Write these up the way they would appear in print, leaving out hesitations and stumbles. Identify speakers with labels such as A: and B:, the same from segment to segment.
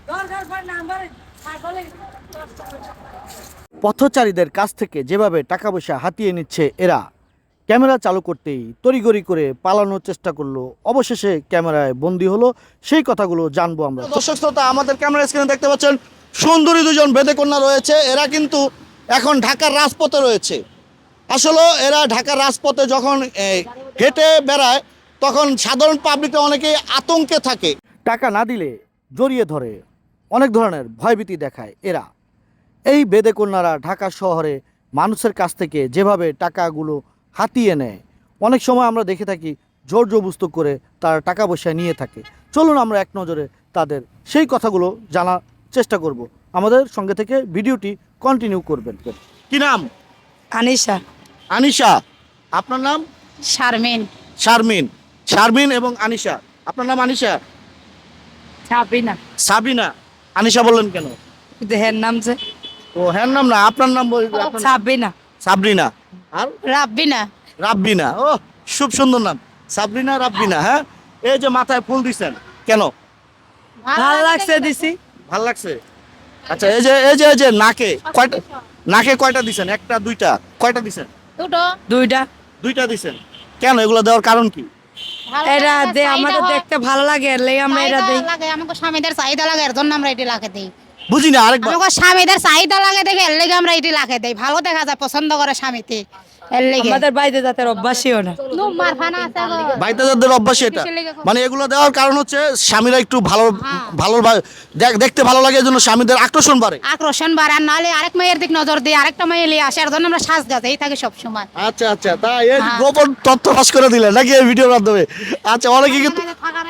A: পথচারীদের কাছ থেকে যেভাবে টাকা পয়সা হাতিয়ে নিচ্ছে এরা, ক্যামেরা চালু করতেই তড়িঘড়ি করে পালানোর চেষ্টা করলো, অবশেষে ক্যামেরায় বন্দী হলো। সেই কথাগুলো জানবো আমরা। দর্শক শ্রোতা, আমাদের ক্যামেরা স্ক্রিনে দেখতে পাচ্ছেন সুন্দরী দুজন বেদেকন্যা রয়েছে। এরা কিন্তু এখন ঢাকার রাজপথে রয়েছে। আসলে এরা ঢাকার রাজপথে যখন হেঁটে বেড়ায় তখন সাধারণ পাবলিকরা অনেকেই আতঙ্কে থাকে। টাকা না দিলে জড়িয়ে ধরে, অনেক ধরনের ভয়ভীতি দেখায় এরা। এই বেদেকন্যারা ঢাকা শহরে মানুষের কাছ থেকে যেভাবে টাকাগুলো হাতিয়ে নেয়, অনেক সময় আমরা দেখে থাকি জোর জবরদস্ত করে তারা টাকা পয়সা নিয়ে থাকে। চলুন আমরা এক নজরে তাদের সেই কথাগুলো জানার চেষ্টা করব। আমাদের সঙ্গে থেকে ভিডিওটি কন্টিনিউ করবেন। কি নাম?
B: আনিশা।
A: আনিশা। আপনার নাম?
B: শারমিন।
A: শারমিন। শারমিন এবং আনিশা। আপনার নাম আনিশা?
B: সাবিনা।
A: সাবিনা। আনিশা বললেন কেন?
B: দেহের নাম যে।
A: ও হ্যাঁ, নাম না, আপনার নাম
B: সাবিনা।
A: সাবরিনা। আর
B: রাব্বিনা।
A: রাব্বিনা। ও খুব সুন্দর নাম, সাবরিনা রাব্বিনা। হ্যাঁ, এই যে মাথায় ফুল দিছেন কেন?
B: ভালো লাগছে দিছি।
A: ভাল লাগছে। আচ্ছা, এই যে নাকে কয়টা, নাকে কয়টা দিছেন? একটা দুইটা? কয়টা দিছেন?
B: দুইটা।
A: দুইটা দিছেন কেন? এগুলো দেওয়ার কারণ কি?
B: এটা দে আমাদের দেখতে ভালো লাগে, এর লাগি আমরা এটা দেই।
C: লাগে আমাকে স্বামীদের চাহিদা লাগে, এর জন্য আমরা এটি লাখে দেই।
A: বুঝি না, আরেকবার।
C: আমাকে স্বামীদের চাহিদা লাগে দেখে এর লাগি আমরা এটি লাখে দেই। ভালো দেখা যায়, পছন্দ করে স্বামীতে, এর লাগি।
B: আমাদের বাইরে জাতের অভ্যাসীও না।
C: নুম্বার ফানা আছে গো।
A: বাইতাদের অভ্যাস এটা। মানে এগুলো দেওয়ার কারণ হচ্ছে স্বামীরা একটু ভালো ভালো দেখতে ভালো লাগে, এজন্য স্বামীদের আকর্ষণ বাড়ে।
C: আকর্ষণ বাড়ে, আর নাহলে আরেক মেয়ের দিক নজর দিই, আরেকটা মেয়ে লিয়ে আসে, এর জন্য আমরা সাজ গাছেই থাকি সব সময়।
A: আচ্ছা আচ্ছা, তাই এই গোপন তথ্য ফাঁস করে দিলেন নাকি এই ভিডিওর মাধ্যমে? আচ্ছা, অনেকে কিন্তু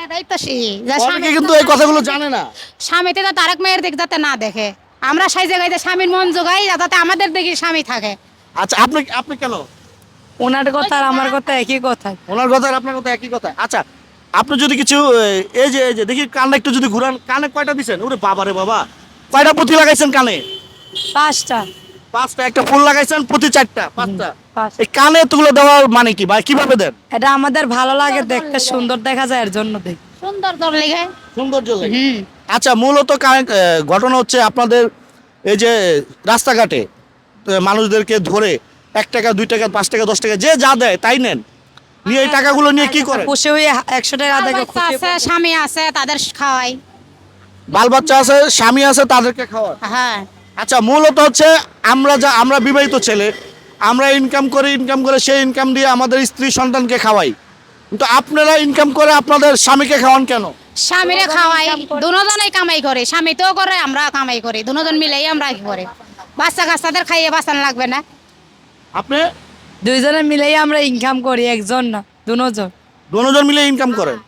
A: অনেকে কিন্তু এই কথাগুলো জানে না।
C: স্বামীতে যাতে আরেক মেয়ের দিক যাতে না দেখে, আমরা সেই জায়গায় স্বামীর মন জোগাই যাতে আমাদের দিকে স্বামী থাকে।
A: আচ্ছা, আপনি আপনি কেন?
B: ওনার কথা আর আমার কথা একই কথা।
A: ওনার কথা আর আপনার কথা একই কথা। আচ্ছা, আপনি যদি কিছু এই যে দেখি কানটা একটু যদি ঘুরান, কানে কয়টা দিছেন? ওরে বাবা রে বাবা, কয়টা পুঁথি লাগাইছেন কানে?
B: 5টা।
A: 5টা। একটা ফুল লাগাইছেন, পুঁথি 4টা, 5টা।
B: 5।
A: এই কানে এতগুলো দেওয়ার মানে কি ভাই? কিভাবে দেন?
B: এটা আমাদের ভালো লাগে, দেখতে সুন্দর দেখা যায়, এর জন্য দেই।
C: সুন্দর তোর লেগে।
A: সৌন্দর্য লাগে। আচ্ছা, মূলত ঘটনা হচ্ছে আপনাদের এই যে রাস্তাঘাটে মানুষদেরকে ধরে 1 টাকা 2 টাকা 5 টাকা 10 টাকা যে যা দেয় তাই নেন, নিয়ে এই টাকাগুলো নিয়ে কি করে?
B: খুশি হয়ে 100 টাকা দেখে
C: বাচ্চা আছে, স্বামী আছে, তাদের খাওয়াই।
A: বাল বাচ্চা আছে, স্বামী আছে, তাদেরকে খাওয়ায়।
C: হ্যাঁ।
A: আচ্ছা, মূলত হচ্ছে আমরা বিবাহিত ছেলে, আমরা ইনকাম করে সেই ইনকাম দিয়ে আমাদের স্ত্রী সন্তানকে খাওয়াই, কিন্তু আপনারা ইনকাম করে আপনাদের স্বামীকে খাওয়ান কেন?
C: স্বামীরে খাওয়াই, দুজনেই কামাই করে, স্বামীতেও করে, আমরা কামাই করি, দুজন মিলেই আমরা কি করে। বাচ্চা কাচ্চাদের খাইয়ে বাঁচানো লাগবে না?
A: আপনি
B: দুইজনে মিলেই আমরা ইনকাম করি, একজন না,
A: দুজন মিলে ইনকাম করেন।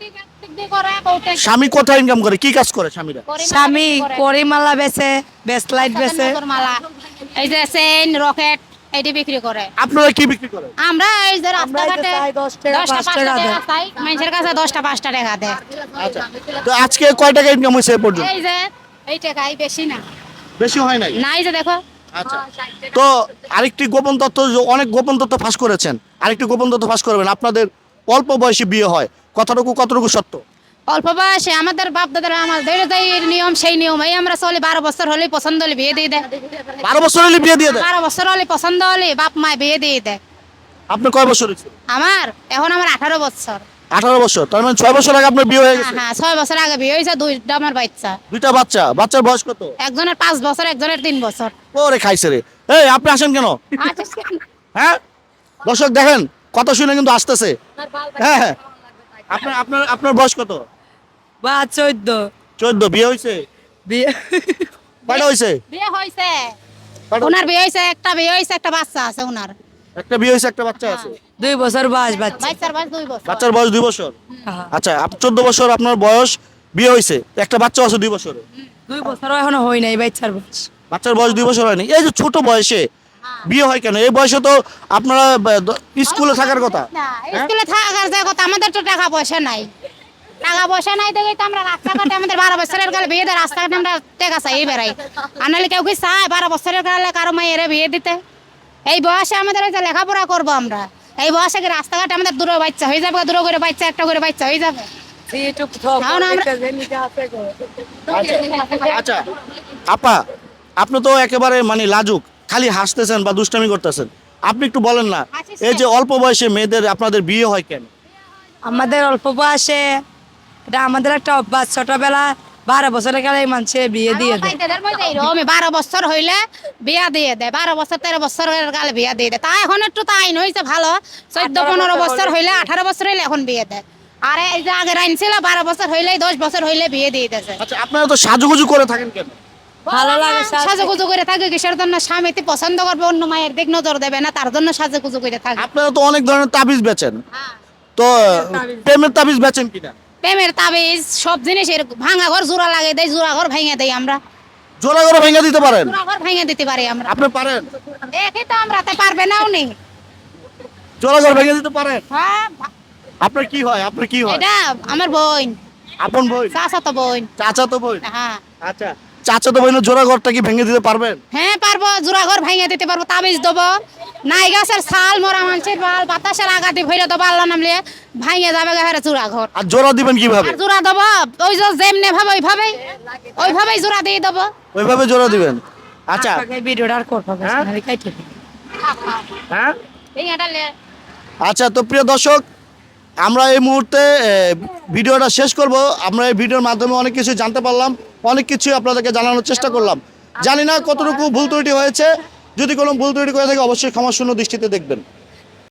A: স্বামী কোথায় ইনকাম করে? কি কাজ করে স্বামীরা?
B: স্বামী করিমালা বেচে, বেসলাইট বেচে,
C: এই যে চেইন, রকেট এটি বিক্রি করে।
A: আপনারা কি বিক্রি করেন?
C: আমরা এই যে রাস্তাঘাটে
B: 10 টাকা 5 টাকা দেয়।
C: মানুষের কাছে 10টা 5টা টাকা দেয়।
A: আচ্ছা, তো আজকে কয় টাকা ইনকাম হয়েছে এ পর্যন্ত?
C: এই যে এই টাকাই বেশি না,
A: বেশি হয় নাই।
C: নাই যে দেখো।
A: আচ্ছা, তো আরেকটি গোপন তথ্য, অনেক গোপন তথ্য ফাঁস করেছেন, আরেকটি গোপন তথ্য ফাঁস করবেন। আপনাদের অল্প বয়সে বিয়ে হয়, কতটুকু সত্য?
C: অল্প বয়সে আমাদের বাপ দাদারা আমাদের যে নিয়ম সেই নিয়মেই আমরা চলি। 12 বছর হলে পছন্দ হলে বিয়ে দিয়ে দেয়।
A: 12 বছর হলে বিয়ে দিয়ে দেয়?
C: 12 বছর হলে পছন্দ হলে বাপ মা বিয়ে দিয়ে দেয়।
A: আপনি কয় বছর হয়েছে?
C: আমার 18 বছর।
A: 18 বছর, তার মানে 6 বছর আগে আপনার বিয়ে হয়ে গেছে?
C: হ্যাঁ, 6 বছর আগে বিয়ে হয়েছে, 2টা আমার বাচ্চা।
A: 2টা বাচ্চা? বাচ্চার বয়স কত?
C: একজনের 5 বছর, একজনের 3 বছর।
A: ওরে খাইছে রে। এই আপনি আসেন কেন? হ্যাঁ, দর্শক দেখেন কথা শুনে কিন্তু আসতেছে। হ্যাঁ হ্যাঁ, আপনার বয়স কত?
B: বা 14।
A: 14। বিয়ে হয়েছে?
B: বিয়ে
A: কয়টা হয়েছে?
C: বিয়ে হয়েছে, ওনার বিয়ে হয়েছে, একটা বিয়ে হয়েছে, একটা বাচ্চা আছে ওনার।
A: একটা বিয়ে হয়েছে, একটা বাচ্চা আছে।
B: 2 বছর বয়স বাচ্চা।
C: বাচ্চার বয়স 2 বছর।
A: বাচ্চার বয়স 2 বছর?
B: হ্যাঁ।
A: আচ্ছা, 14 বছর আপনার বয়স, বিয়ে হয়েছে, একটা বাচ্চা আছে 2 বছরে।
B: 2 বছরও এখনো হয় নাই বাচ্চার বয়স।
A: বাচ্চার বয়স 2 বছর হয়নি। এই যে ছোট বয়সে বিয়ে হয় কেন? এই বয়সে তো আপনারা স্কুলে থাকার কথা।
C: না, স্কুলে থাকার যে কথা, আমাদের তো টাকা পয়সা নাই। টাকা পয়সা নাই দেখেই তো আমরা রাস্তাঘাটে, আমাদের 12 বছরের কালে বিয়ে দেয়, রাস্তাঘাটে আমরা টাকা চাই বেড়াই। আর নাহলে কেউ কি চায় 12 বছরের কালে কারো মেয়ের বিয়ে দিতে? এই বয়সে আমাদের ওই যে লেখাপড়া করবো আমরা, এই বয়সে কি রাস্তাঘাটে আমাদের দূরে বাচ্চা হয়ে যাবে? দূরে করে বাচ্চা, একটা করে বাচ্চা হয়ে যাবে?
B: এখন
A: আচ্ছা আপা, আপনি তো একেবারে মানে লাজুক, খালি হাসতেছেন বা দুষ্টামি করতেছেন। আপনি একটু বলেন না, এই যে অল্প বয়সে মেয়েদের আপনাদের বিয়ে হয় কেন?
B: আমাদের অল্প বয়সে এটা আমাদের একটা অভ্যাস, ছোটবেলা 12 বছরের কালে মানুষে বিয়ে দিয়ে দেয়।
C: 12 বছর হইলে বিয়া দিয়ে দেয়, 12 বছর 13 বছরের কালে বিয়া দিয়ে দেয়। তা এখন একটু তো আইন হয়েছে ভালো, 14-15 বছর হইলে, 18 বছর হইলে এখন বিয়ে দেয়। আর এই যে আগের আইন ছিল 12 বছর হইলে, 10 বছর হইলে বিয়ে দিয়ে দিয়েছে।
A: আচ্ছা আপনারা তো সাজুগুজু করে থাকেন কেন?
B: ভালো লাগে
C: সাজুগুজু করে থাকে কিসের জন্য? স্বামীতে পছন্দ করবে, অন্য মায়ের দিক নজর দেবে না, তার জন্য সাজুগুজু করে থাকে।
A: আপনারা তো অনেক ধরনের তাবিজ বেচেন,
C: হ্যাঁ।
A: তো প্রেমের তাবিজ বেচেন কিনা?
C: প্রেমের তাবিজ সব জিনিসের ভাঙা ঘর জোড়া লাগে দেয়, জোড়া ঘর ভেঙে দেয় আমরা,
A: জোড়া করে ভেঙে দিতে পারেন?
C: জোড়া ঘর ভেঙে দিতে পারি আমরা।
A: আপনি পারেন?
C: দেখি তো আমরা, তাই পারবে না উনি।
A: জোড়া করে ভেঙে দিতে পারেন?
C: হ্যাঁ,
A: আপনার কি হয়? আপনার কি হয়?
C: এটা আমার বোন,
A: আপন বোন?
C: চাচাতো বোন।
A: চাচা তো বোন?
C: হ্যাঁ
A: আচ্ছা, চাচা তো বোনের জোড়া ঘরটা কি ভেঙে দিতে পারবেন?
C: হ্যাঁ পারবো, জোড়া ঘর ভেঙে দিতে পারবো, তাবিজ দেবো, নাই গাছের ছাল, মরা মানুষের বাল, বাতাসের আঘাতে ভরে দেবো, আল্লাহ নামলে ভাঙে যাবে গাছের জোড়া ঘর।
A: আর জোড়া দিবেন কিভাবে?
C: আর জোড়া দেবো ওই যে যেমনে ভাবে ওইভাবেই জোড়া দিয়ে দেবো।
A: ওইভাবে জোড়া দিবেন? আচ্ছা
B: ভিডিওটা আর করবো না,
A: হ্যাঁ?
B: কাইটে দিই।
A: হ্যাঁ,
C: এই এটা লে।
A: আচ্ছা তো প্রিয় দর্শক, আমরা এই মুহূর্তে ভিডিওটা শেষ করব। আমরা এই ভিডিওর মাধ্যমে অনেক কিছু জানতে পারলাম, অনেক কিছু আপনাদেরকে জানানোর চেষ্টা করলাম। জানি না কতটুকু ভুল ত্রুটি হয়েছে, যদি কোনো ভুল ত্রুটি করে থাকে অবশ্যই ক্ষমাশূন্য দৃষ্টিতে দেখবেন।